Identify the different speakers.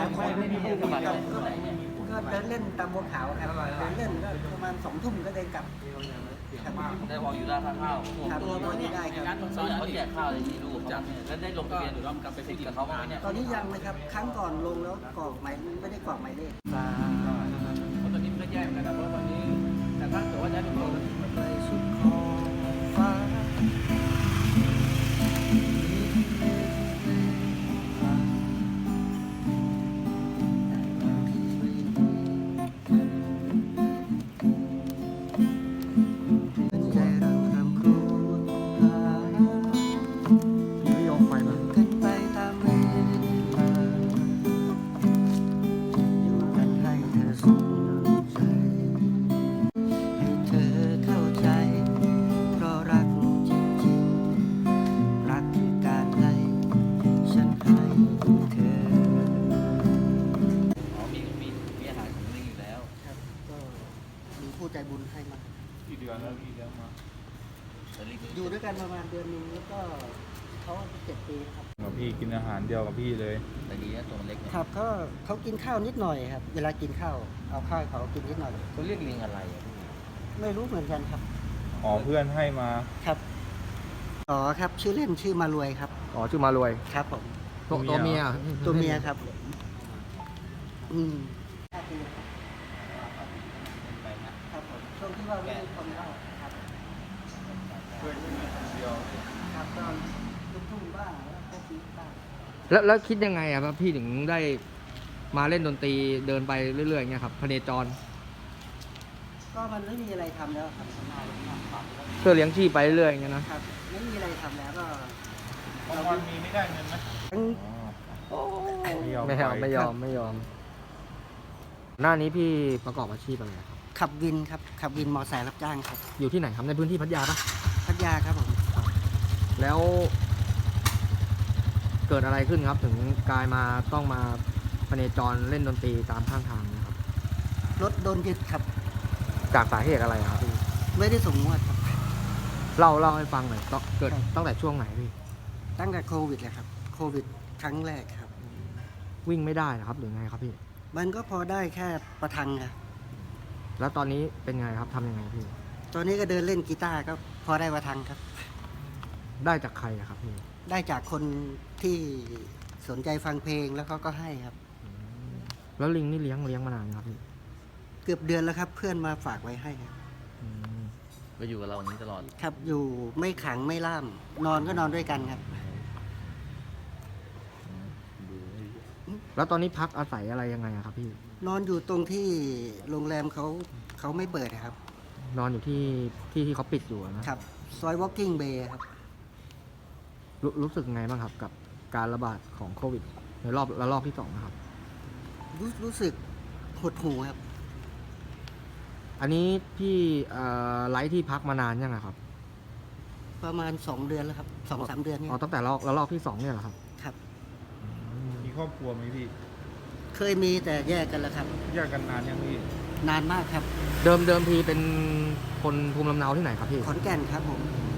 Speaker 1: ไม่มีผู้บาดเจ็บคนไหนเนี่ย
Speaker 2: ก็เดินเล่นตามบัวขาวครับเดินเล่นก็ประมาณ2 ทุ่มก็เดินกลับ
Speaker 1: ได้วางอยู่ด้านข้าว
Speaker 2: ครับตัวนี้ได้ครับ
Speaker 1: เขาแจกข้าวเลยที่ลูกเขาแล้วได้ลงทะเบียนหรือว่ากลับไปติดกับเขาบ้างไหมเนี่ย
Speaker 2: ตอนนี้ยังนะครับครั้งก่อนลงแล้วกรอกหมายไม่ได้กรอกหมายเลข
Speaker 3: เพราะตอนนี้มันก็แย่เหมือนกันนะเพราะตอนนี้แต่ถ้าเกิดว่าจะได้ตัว
Speaker 2: ไปสุดขอบฟ้าผู้ใจบุญให้มา
Speaker 3: กี่เดือนแล้วพี่แล้วมา
Speaker 2: อยู่ด้วยกันประมาณเดือนนึงแล้วก็เขา7 ปีครับ
Speaker 3: กับพี่กินอาหารเดียวกับพี่เลย
Speaker 1: แต่ดีนะตัวมันเล็กเนี่ย
Speaker 2: ครับเขากินข้าวนิดหน่อยครับเวลากินข้าวเอาข้าวเขากินนิดหน่อย
Speaker 1: เขาเรียกลิงอะไรอ่ะ
Speaker 2: ไม่รู้เหมือนกันครับ
Speaker 3: อ๋อเพื่อนให้มา
Speaker 2: ครับอ๋อครับชื่อเล่นชื่อมารวยครับ
Speaker 4: อ๋อชื่อมารวย
Speaker 2: ครับผม
Speaker 4: ตัวเมีย
Speaker 2: ครับครับผมช่วงที่ว่าไม่มีคนเข้าครับ
Speaker 3: เพื่อนมีคนเดียว
Speaker 2: ครับตอนลูกทุ่งบ้างแล้วก็ฟีบ้าง
Speaker 4: แล้วคิดยังไงอะครับพี่ถึงได้มาเล่นดนตรีเดินไปเรื่อยๆอย่างเงี้ยครับพเนจร
Speaker 2: ก็มันไม่มีอะไรทำแล้วครับ
Speaker 4: เพื่อเลี้ยงชีพไปเรื่อยอย่างเงี้ย
Speaker 2: นะครับไม่มีอะไรทำแล้วก็
Speaker 3: บางวันมีไม่ได้เงินไหม
Speaker 4: ไม่ยอมหน้านี้พี่ประกอบอาชีพอะไรครับ
Speaker 2: ขับวินครับขับวินมอเตอร์ไซค์รับจ้างครับ
Speaker 4: อยู่ที่ไหนครับในพื้นที่พัทยาปะ
Speaker 2: พัทยาครับผม
Speaker 4: แล้วเกิดอะไรขึ้นครับถึงกลายมาต้องมาพเนจรเล่นดนตรีตามข้างทางนะครับ
Speaker 2: รถโดนยึดครับ
Speaker 4: จากสาเหตุอะไรครับพี่
Speaker 2: ไม่ได้ส่งงวดครับ
Speaker 4: เล่าให้ฟังหน่อยเกิดตั้งแต่ช่วงไหนพี่
Speaker 2: ตั้งแต่โควิดเลยครับโควิดครั้งแรกครับ
Speaker 4: วิ่งไม่ได้นะครับหรือไงครับพี่
Speaker 2: มันก็พอได้แค่ประทังครับ
Speaker 4: แล้วตอนนี้เป็นไงครับทำยังไงพี่
Speaker 2: ตอนนี้ก็เดินเล่นกีตาร์ก็พอได้ประทังครับ
Speaker 4: ได้จากใครครับพี่
Speaker 2: ได้จากคนที่สนใจฟังเพลงแล้วเขาก็ให้ครับ
Speaker 4: แล้วลิงนี่เลี้ยงมานานครับพี่
Speaker 2: เกือบเดือนแล้วครับเพื่อนมาฝากไว้ให้ครับ
Speaker 1: ก็อยู่กับเราอย่างนี้ตลอด
Speaker 2: ครับอยู่ไม่ขังไม่ล่ามนอนก็นอนด้วยกันครับ
Speaker 4: แล้วตอนนี้พักอาศัยอะไรยังไงครับพี่
Speaker 2: นอนอยู่ตรงที่โรงแรมเขาไม่เปิดครับ
Speaker 4: นอนอยู่ที่เขาปิดอยู่นะครับ
Speaker 2: ซอย Walking Bay ครับ
Speaker 4: รู้สึกไงบ้างครับกับการระบาดของโควิดในระลอกที่2นะครับ
Speaker 2: รู้สึกหดหู่ครับ
Speaker 4: อันนี้พี่ไลฟ์ที่พักมานานยังครับ
Speaker 2: ประมาณ2 เดือนแล้วครับ2-3 เดือนนี่
Speaker 4: อ๋อตั้งแต่ระลอกที่2เนี่ยเหรอครับ
Speaker 2: ครับ
Speaker 3: มีครอบครัวไหมพี่
Speaker 2: เคยมีแต่แยกกันแล้วครับ
Speaker 3: แยกกันนานยังพี่
Speaker 2: นานมากครับ
Speaker 4: เดิมทีเป็นคนภูมิลำเนาที่ไหนครับพี่
Speaker 2: ขอนแก่นครับผม